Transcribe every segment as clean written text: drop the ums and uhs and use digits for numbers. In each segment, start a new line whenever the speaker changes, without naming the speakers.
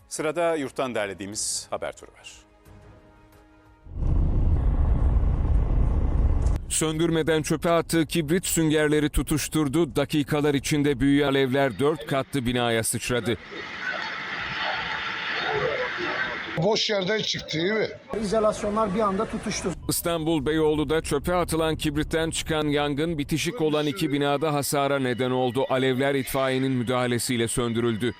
Sırada yurttan derlediğimiz haber turu var.
Söndürmeden çöpe attığı kibrit süngerleri tutuşturdu. Dakikalar içinde büyüyen alevler 4 katlı binaya sıçradı.
Boş yerden çıktı değil mi?
İzolasyonlar bir anda tutuştu.
İstanbul Beyoğlu'da çöpe atılan kibritten çıkan yangın bitişik olan 2 binada hasara neden oldu. Alevler itfaiyenin müdahalesiyle söndürüldü.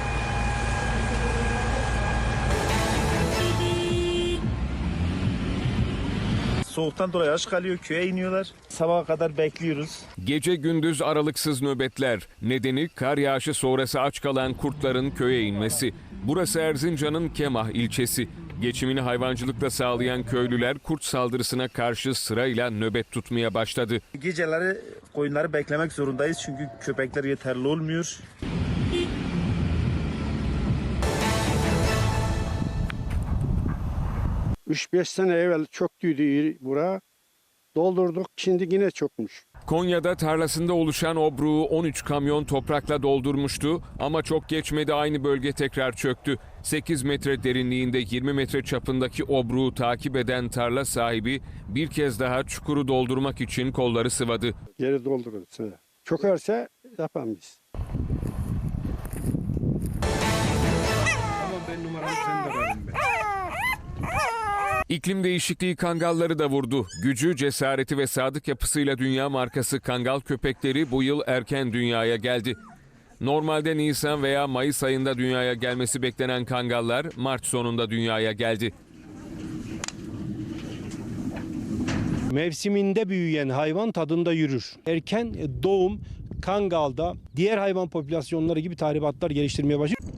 Soğuktan dolayı aç kalıyor, köye iniyorlar. Sabaha kadar bekliyoruz.
Gece gündüz aralıksız nöbetler. Nedeni kar yağışı sonrası aç kalan kurtların köye inmesi. Burası Erzincan'ın Kemah ilçesi. Geçimini hayvancılıkla sağlayan köylüler kurt saldırısına karşı sırayla nöbet tutmaya başladı.
Geceleri koyunları beklemek zorundayız çünkü köpekler yeterli olmuyor.
Üç beş sene evvel çöktüydü bura. Doldurduk, şimdi yine çökmüş.
Konya'da tarlasında oluşan obruğu 13 kamyon toprakla doldurmuştu ama çok geçmedi aynı bölge tekrar çöktü. 8 metre derinliğinde 20 metre çapındaki obruğu takip eden tarla sahibi bir kez daha çukuru doldurmak için kolları sıvadı.
Geri doldururuz. Çökerse yapalım biz.
İklim değişikliği kangalları da vurdu. Gücü, cesareti ve sadık yapısıyla dünya markası kangal köpekleri bu yıl erken dünyaya geldi. Normalde Nisan veya Mayıs ayında dünyaya gelmesi beklenen kangallar Mart sonunda dünyaya geldi.
Mevsiminde büyüyen hayvan tadında yürür. Erken doğum kangalda diğer hayvan popülasyonları gibi tahribatlar geliştirmeye başlıyor.